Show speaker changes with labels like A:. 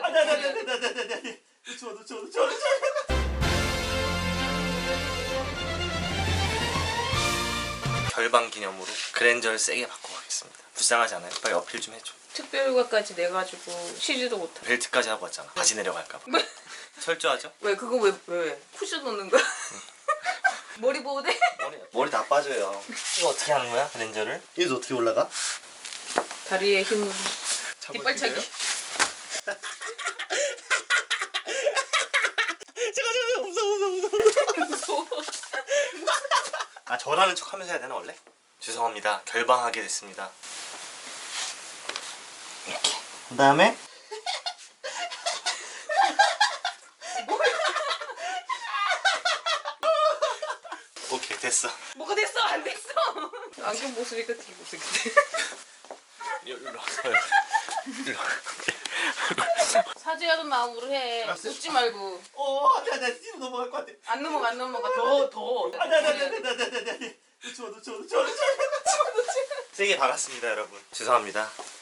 A: 네. 추워. 결방 기념으로 그랜저를 세게 바꾸고 가겠습니다. 불쌍하지 않아요? 빨리 어필 좀 해줘.
B: 특별휴가까지 내가지고 쉬지도 못하고.
A: 벨트까지 하고 왔잖아. 바지 내려갈까봐.
B: 왜?
A: 철저하죠?
B: 왜 그거 왜 쿠션 넣는 거야? 머리 보호대?
A: 머리 다 빠져요. 이거 어떻게 하는 거야? 그랜저를? 이거 어떻게 올라가?
B: 다리에 힘. 뒷발차기.
A: 잠깐 무서워.
B: 무서워.
A: 아 저라는 척 하면서 해야 되나 원래? 죄송합니다. 결방하게 됐습니다. 이렇게. 그 다음에 오케이 됐어.
B: 뭐가 됐어? 안 됐어. 안경 벗으니까 되게 못생겼네.
A: 일로 와.
B: 사죄하는 마음으로 해. 웃지 말고.
A: 나 지금 넘어갈 것 같아.
B: 안 넘어가. 더.
A: 추워. 세게 박았습니다, 여러분. 죄송합니다.